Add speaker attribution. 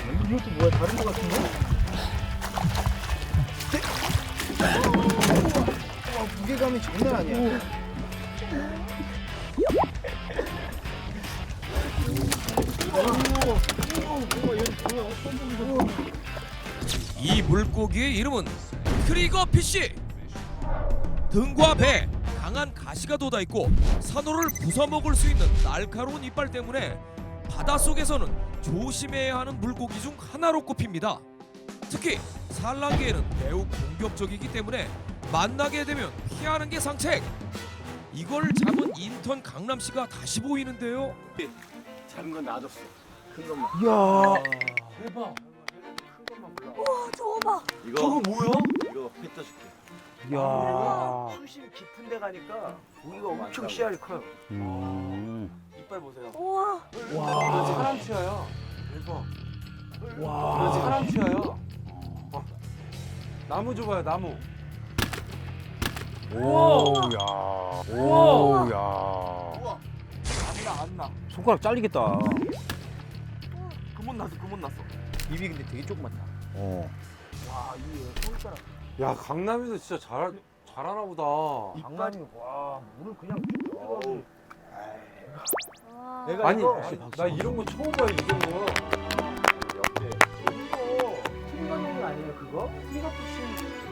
Speaker 1: 이것도 뭐야? 다른 거 같은데? 와, 무게감이 장난 아니야.
Speaker 2: 이 물고기의 이름은 트리거 피쉬. 등과 배, 강한 가시가 돋아 있고 산호를 부숴먹을 수 있는 날카로운 이빨 때문에 바닷속에서는 조심해야 하는 물고기 중 하나로 꼽힙니다. 특히 산란기에는 매우 공격적이기 때문에 만나게 되면 피하는 게 상책. 이걸 잡은 인턴 강남 씨가 다시 보이는데요.
Speaker 1: 작은 건 놔뒀어. 큰 것만.
Speaker 3: 이야.
Speaker 2: 대박.
Speaker 4: 우와 저거 봐.
Speaker 3: 저거 뭐야?
Speaker 1: 이거 회 떠줄게.
Speaker 3: 이야.
Speaker 1: 수심 깊은 데 가니까 고기가 엄청 씨알이 커요. 이빨 보세요.
Speaker 4: 우와.
Speaker 3: 와.
Speaker 1: 사람 치아야. 대박.
Speaker 3: 와.
Speaker 1: 사람 치아야. 나무 줘봐요, 나무.
Speaker 3: 오야. 오야.
Speaker 1: 안 나.
Speaker 3: 손가락 잘리겠다.
Speaker 1: 그못 났어. 입이 근데 되게 조그맣다.
Speaker 3: 어.
Speaker 1: 와, 이 손가락.
Speaker 5: 야 강남에서 진짜 잘하나 보다.
Speaker 1: 장난이 와, 물을 그냥 쭉
Speaker 4: 와.
Speaker 1: 내가
Speaker 5: 아니
Speaker 1: 이거
Speaker 5: 나 이런 거 처음 봐요 이 정도.
Speaker 1: 이거 트리거용이 아니에요, 그거? 트리거 피싱